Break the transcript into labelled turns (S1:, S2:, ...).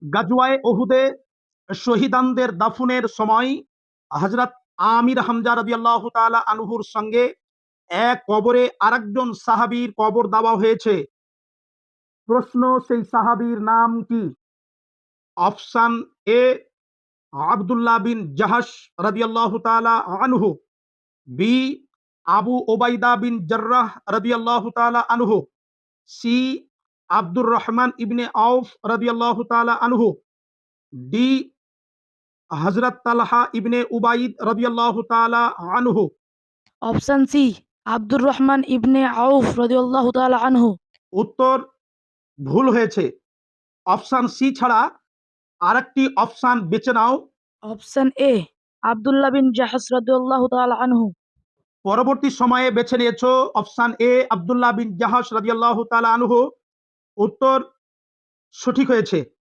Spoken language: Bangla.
S1: গাজওয়ায়ে উহুদে শহীদানদের দাফনের সময় হযরত আমির হামজা রাদিয়াল্লাহু তাআলা আনহুর সঙ্গে এক কবরে আরেকজন সাহাবীর কবর দেওয়া হয়েছে। প্রশ্ন, সেই সাহাবীর নাম কি? অপশন এ আব্দুল্লাহ বিন জাহাশ রাদিয়াল্লাহু তাআলা আনহু, বি আবু ওবাইদা বিন জাররাহ রাদিয়াল্লাহু তাআলা আনহু, C Abdur Rahman ibn Awf রাদিয়াল্লাহু তাআলা আনহু, ডি হযরত তালহা ইবনে উবাইদ রাদিয়াল্লাহু তাআলা আনহু।
S2: Option C, Abdur Rahman ibn Awf রাদিয়াল্লাহু তাআলা আনহু।
S1: উত্তর ভুল হয়েছে। অপশন সি ছাড়া আরেকটি অপশন বেছে নাও।
S2: অপশন এ, আব্দুল্লাহ বিন জাহাশ রাদিয়াল্লাহু তাআলা আনহু।
S1: পরবর্তী সময়ে বেছে নিয়েছো অপশন এ আব্দুল্লাহ বিন জাহাশ রাদিয়াল্লাহু তাআলা আনহু। উত্তর সঠিক হয়েছে।